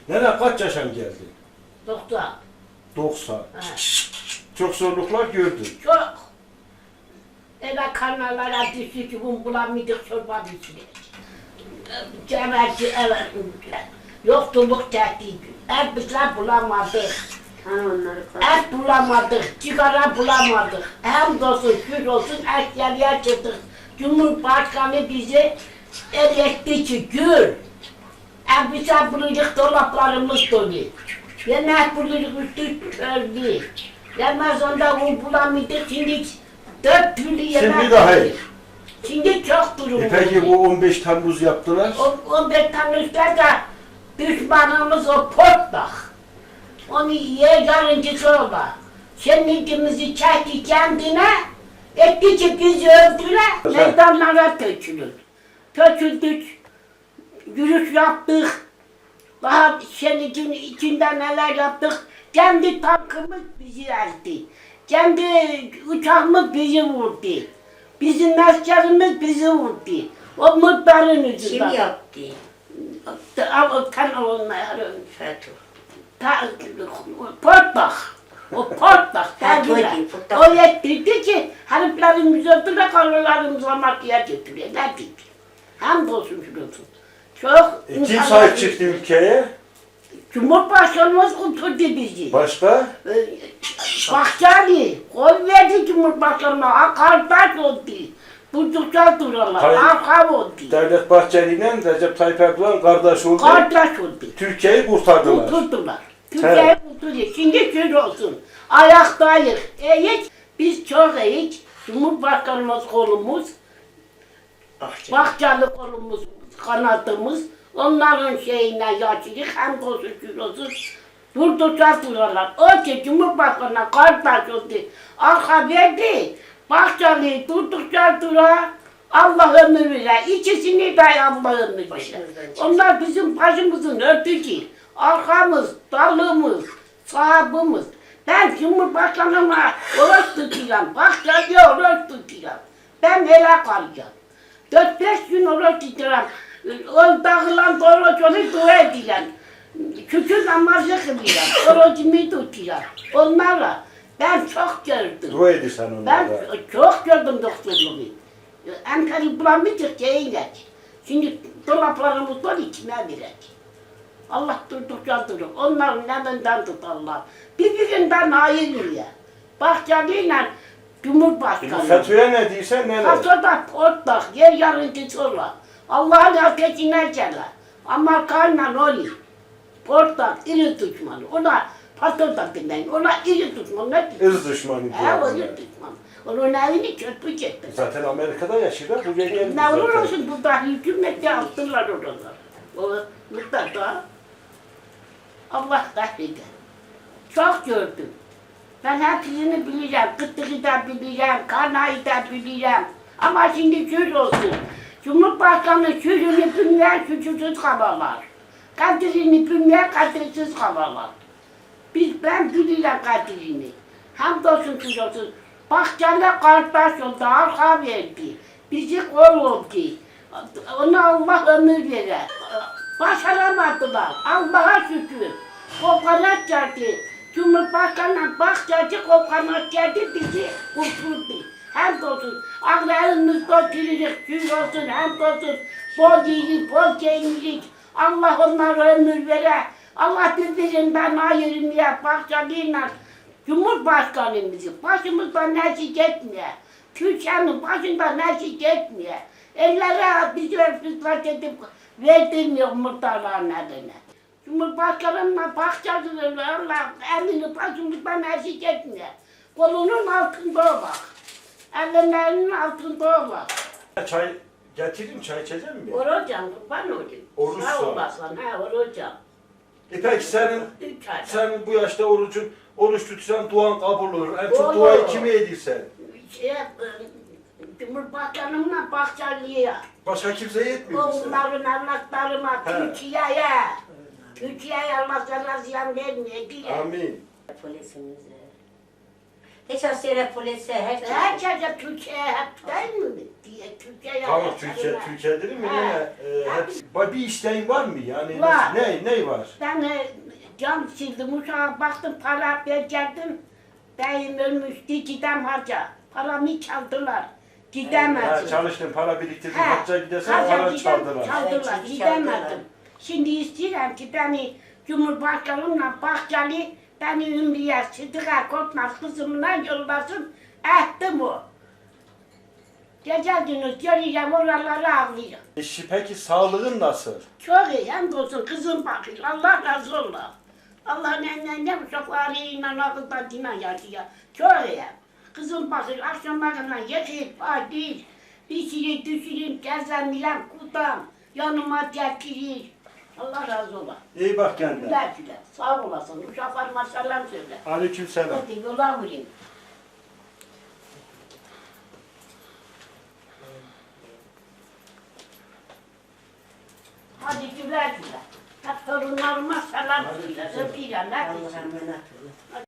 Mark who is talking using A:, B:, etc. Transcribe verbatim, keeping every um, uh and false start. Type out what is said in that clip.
A: Nene kaç yaşam geldin?
B: doksan.
A: doksan.
B: Ha.
A: Çok zorluklar gördün.
B: Çok. Eve kanallara düştü ki bunu bulamıyorduk çorba biçimi. Cemerci evet. Yoksulluk tehdidi. Et bizler bulamadık. Et bulamadık, sigara bulamadık. Hamdolsun, şükür olsun eşyalıya çıktık. Cumhurbaşkanı bizi eretti ki gül. Elbise buluyorduk, dolaplarımız dolu. Yemek buluyorduk, üstü öldü. Ramazan'da un bulamıyorduk, şimdi dört türlü yemek.
A: Şimdi daha iyi.
B: Şimdi çok durum
A: E peki
B: oldu.
A: bu on beş Temmuz yaptılar.
B: O, on beş Temmuz'da da düşmanımız o portlak. Onu ye yarıncısı ola. Şenlikimizi çekti kendine, etti ki bizi öldüre, meydanlara tökülür. Töküldük, yürüyüş yaptık, daha şenlikin içinde neler yaptık. Kendi tankımız bizi ezdi. Kendi uçağımız bizi vurdu. Bizim askerimiz bizi vurdu. O muhtarın yüzünden.
C: Kim yaptı?
B: Kan olmayan
C: FETÖ.
B: Ta, portlak. O portlak.
C: Ha,
B: derdiler.
C: koydu, portlak.
B: O yettirdi ki heriflerimiz öldüre karılarımıza makiye götürüyor. Ne diyeyim? Hamdolsun şurası. Çok
A: E, kim sahip çıktı ülkeye?
B: Cumhurbaşkanımız oturdu bizi.
A: Başka?
B: Ee, Bahçeli, koy verdi Cumhurbaşkanı'na, kardeş oldu. Buldukça dururlar,
A: Hayır.
B: arka oldu.
A: Devlet Bahçeli ile Recep Tayyip Erdoğan kardeş oldu.
B: Kardeş oldu.
A: Türkiye'yi kurtardılar.
B: Kurtuldular. Türkiye'yi kurtuluyor. Şimdi şükür olsun. Ayaktayız. Eğik, biz çok eğik. Cumhurbaşkanımız kolumuz,
C: Bahçeli.
B: Bahçeli kolumuz, kanatımız. Onların şeyine yaşlılık hem olsun şükür olsun. Vurdukça dururlar. O ki Cumhurbaşkanı'na kardeş oldu. Arka verdi. Bahçeli durdukça durar. Allah ömür verir. İkisini de Allah ömür verir.
C: Başımızdan çıksın.
B: Onlar bizim başımızın örtücü. Arkamız, dalımız, sahabımız. Ben Cumhurbaşkanı'na oruç tutacağım. Bahçeli'ye oruç tutacağım. Ben hele kalacağım. Dört beş gün oruç tutacağım. O dağılan oruç onu dua edeceğim. Şükür namazı kılacağım. Orucumu tutacağım. Onlarla ben çok gördüm.
A: Dua edirsen
B: Ben
A: onlara.
B: çok gördüm doktorluğu. Ankara bulamayacak yayınlar. Şimdi dolaplarımız dolu içine verecek. Allah durdukça durur. Onların elinden tut Allah. Birbirinden ayrılıyor. Bahçeli'yle
A: Bu
B: Cumhurbaşkanı.
A: FETÖ'ye ne diysen neler?
B: Kasada portlak, yer yarıncısı olur. Allah'ın ateşine gelir. Amerika'yla oluyor. Portlak, iri düşmanı. Ona pasoda dinleyin. Ona iri düşmanı. Ne diyor?
A: Irz düşmanı
B: He, o
A: diyorlar.
B: iri düşmanı. Onun evini çöpü çekti.
A: Zaten Amerika'da yaşıyorlar. Bu geldi
B: Ne olur
A: zaten.
B: olsun burada hükümette attılar oralar. O mutlaka Allah kahreder. Çok gördüm. Ben hepsini bileceğim. Kıtlığı da bileceğim, Karnayı da bileceğim. Ama şimdi şöyle olsun. Cumhurbaşkanı sözünü bilmeyen suçsuz kalırlar. Kadrini bilmeyen kadirsiz kalırlar. Biz, ben bileceğim kadrini. Hamdolsun şöyle olsun. Bahçeli kardeş oldu, arka verdi. Bizi kol oldu. Ona Allah ömür verir. Başaramadılar. Allah'a şükür. Kokonat geldi. Cumhurbaşkanı Bahçeli kokonat geldi bizi kurtuldu. Hamdolsun. Ağlarımız götürürük, şükür olsun, hamdolsun. Bol iyilik, bol keyiflik. Allah onlara ömür verir. Allah birbirinden ayırmaya Bahçeli'yle Cumhurbaşkanımızı başımızdan eksik etmiyor. Türkiye'nin başından eksik etmiyor. Ellere bizi örfüzler edip verdirmiyor muhtarların eline. Cumhurbaşkanımla Bahçeli'yle Allah elini başımızdan eksik etmiyor. Kolunun altında o bak. Ellerinin altında o bak.
A: Çay getireyim, çay içecek mi?
B: Oracağım, kurban olayım.
A: Oruç
B: Sağ
A: sağ.
B: olasın, ha oracağım.
A: E peki senin,
B: Üç ay.
A: sen bu yaşta orucun, oruç tutsan duan kabul olur. En çok
B: Olur.
A: duayı kime edirsen?
B: Şey, e, Cumhurbaşkanımla Bahçeli'ye.
A: Başka kimseye etmiyor musun?
B: Onların evlatlarıma,
A: He.
B: Türkiye'ye. Türkiye'ye Allah sana ziyan vermeye diye.
A: Amin.
C: Polisimize. Hiç askere polise hep
B: Herkese Türkiye'ye hep değil mi? Diye Türkiye'ye
A: Tamam
B: hep
A: Türkiye,
B: söyle.
A: Türkiye değil mi?
B: He.
A: Yine e, hep, Ba- bir isteğin var mı? Yani
B: Var.
A: ne, ne var?
B: Ben e, cam sildim, uşağa baktım, para verecektim. Beyim ölmüştü, gidem harca. Paramı çaldılar.
A: Ha,
B: Gidemedim.
A: çalıştın, para biriktirdin,
B: He,
A: hacca gidersen
B: harca
A: para
B: gidem,
A: çaldılar.
B: Çaldılar,
C: Evet,
B: gidemedim.
C: çaldılar.
B: Şimdi istiyorum ki beni Cumhurbaşkanımla Bahçeli beni Ümriye Sıdık'a Korkmaz kızımla yollasın. Ettim o. Gece gündüz göreceğim oraları ağlıyor.
A: E, şi- peki sağlığın nasıl?
B: Çok iyi, hem olsun kızım bakıyor. Allah razı olsun. Allah'ın emrine ne uşaklarıyla akıllarıyla yaşıyor. Çok iyi. Kızım bakıyor, akşamlarına yıkayıp, adil, pişirip, düşürüp, gezenleyem, kutam, yanıma getirir. Allah razı olsun.
A: İyi bak kendine.
B: Güle güle, sağ olasın. Uşaklarıma selam söyle.
A: Aleykümselam.
B: Hadi yola vurayım. Hadi güle güle. Hep torunlarıma selam söyle. Öpüyorum. Hadi.
C: Allah'a emanet olun.